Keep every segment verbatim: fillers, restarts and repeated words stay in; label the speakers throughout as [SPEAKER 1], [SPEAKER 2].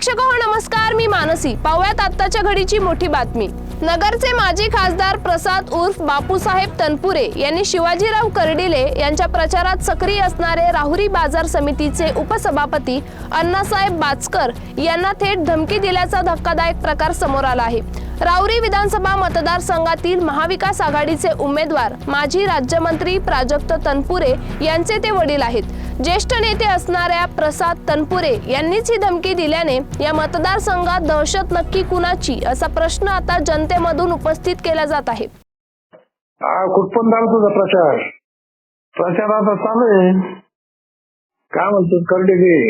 [SPEAKER 1] प्रेक्षक हो नमस्कार, मी मानसी. पाहूयात आत्ताच्या घडीची मोठी बातमी. नगरचे माजी खासदार प्रसाद उर्फ बापूसाहेब तनपुरे यांनी शिवाजीराव कर्डिले यांच्या प्रचारात सक्रिय असणारे राहुरी बाजार समितीचे उपसभापती अण्णासाहेब बाचकर यांना थेट धमकी दिल्याचा धक्कादायक प्रकार समोर आला आहे. राहुरी विधानसभा मतदारसंघातील महाविकास आघाडीचे उमेदवार माजी राज्यमंत्री प्राजक्त तनपुरे यांचे ते वडील आहेत. ज्येष्ठ नेते असणाऱ्या प्रसाद तनपुरे यांनीच ही धमकी दिल्याने या मतदारसंघात दहशत नक्की कुणाची असा प्रश्न आता जनतेमधून उपस्थित केला जात आहे.
[SPEAKER 2] कुठपण झाला तुझा प्रचार?
[SPEAKER 3] प्रचार आता चालू आहे.
[SPEAKER 2] काय म्हणतो कर्डिले?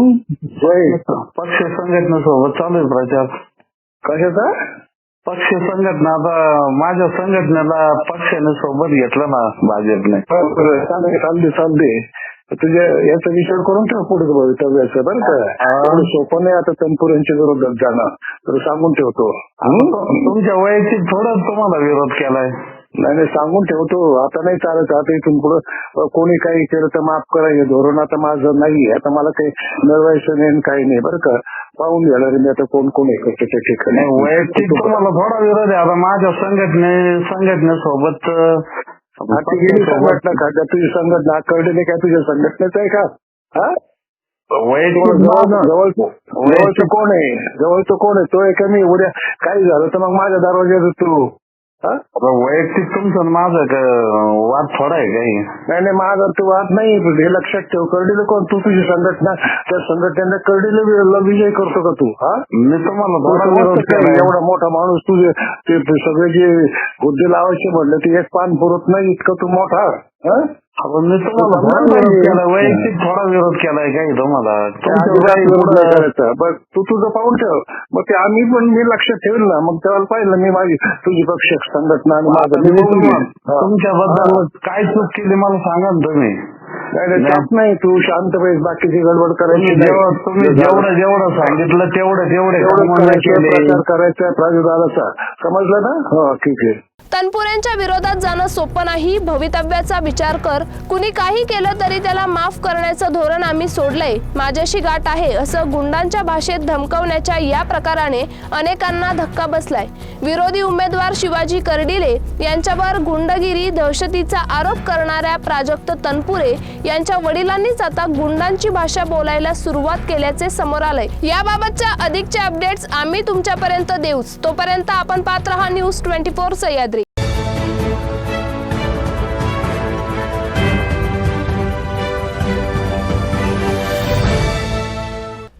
[SPEAKER 3] पक्ष संघटनेसोबत चालू आहे प्रचार.
[SPEAKER 2] कशाचा
[SPEAKER 3] पक्ष संघटना? आता माझ्या संघटनेला पक्षाने सोबत घेतलं ना भाजपने.
[SPEAKER 2] चालते चालते चालते तुझ्या याचा विचार करून ठेव पुढे भवितव्याचं बरं का. सोपं नाही आता तनपुरेंच्या विरोधात जाणं, तर सांगून ठेवतो.
[SPEAKER 3] तुमच्या वैयक्तिक थोडं तुम्हाला विरोध केलाय.
[SPEAKER 2] नाही नाही सांगून ठेवतो. आता नाही चालत. आता इथून पुढं कोणी काही केलं तर माफ करा, हे धोरण आता माझं नाही. आता मला काही मिळवायचं नाही काही नाही बरं का. पाहून घेणार मी आता कोण कोण आहे त्याच्या ठिकाणी.
[SPEAKER 3] वैयक्तिक तुम्हाला थोडा विरोध आहे. आता माझ्या संघटने संघटनेसोबत
[SPEAKER 2] गेली संघटना का? तुझी संघटना कर्डिले काय तुझ्या संघटनेच आहे का? हा जवळचं कोण आहे? जवळचं कोण आहे? तो आहे का मी? उद्या काही झालं तर मग माझ्या दरवाज्यात तू
[SPEAKER 3] वैयक्तिक तुमचं माझं वाद थोडा आहे काही.
[SPEAKER 2] नाही नाही माझा तो वाद नाही. हे लक्षात ठेव. कर्डिले कोण? तू तुझी संघटना, त्या संघटनेला कर्डिले विजय करतो का तू? हा
[SPEAKER 3] मी तुम्हाला
[SPEAKER 2] एवढा मोठा माणूस तुझे ते सगळे जे हुद्दे लावायचे म्हणलं ते एक पान पुरत नाही इतकं तू मोठा.
[SPEAKER 3] मी तुम्हाला वैयक्तिक थोडा विरोध केलाय काही तुम्हाला.
[SPEAKER 2] बघ तू तुझं पाहून ठेव. मग ते आम्ही पण मी लक्षात ठेवलं ना. मग तेव्हा पाहिलं मी माझी तुझी पक्ष संघटना आणि माझं
[SPEAKER 3] तुमच्याबद्दल काय चूक केली मला सांगा ना तुम्ही.
[SPEAKER 2] नाही तू शांत पाहिजे, बाकीची गडबड करायची.
[SPEAKER 3] तुम्ही जेवढं जेवढं सांगितलं तेवढं तेवढे
[SPEAKER 2] प्रचार करायचा प्राजुर्भावाचा. समजलं ना? हो ठीक आहे.
[SPEAKER 1] तनपुरेंच्या विरोधात जाणं सोपं नाही. भवितव्याचा विचार कर. कुणी काही केलं तरी त्याला माफ करण्याचं धोरण आम्ही सोडलंय. माझ्याशी गाठ आहे असं गुंडांच्या भाषेत धमकवण्याच्या या प्रकाराने अनेकांना धक्का बसलाय. विरोधी उमेदवार शिवाजी कर्डिले यांच्यावर गुंडगिरी दहशतीचा आरोप करणाऱ्या प्राजक्त तनपुरे यांच्या वडिलांनीच आता गुंडांची भाषा बोलायला सुरुवात केल्याचे समोर आलंय. याबाबतच्या अधिकचे अपडेट्स आम्ही तुमच्यापर्यंत देऊच. तोपर्यंत आपण पाहत रहा न्यूज ट्वेंटी फोर सह्याद्री.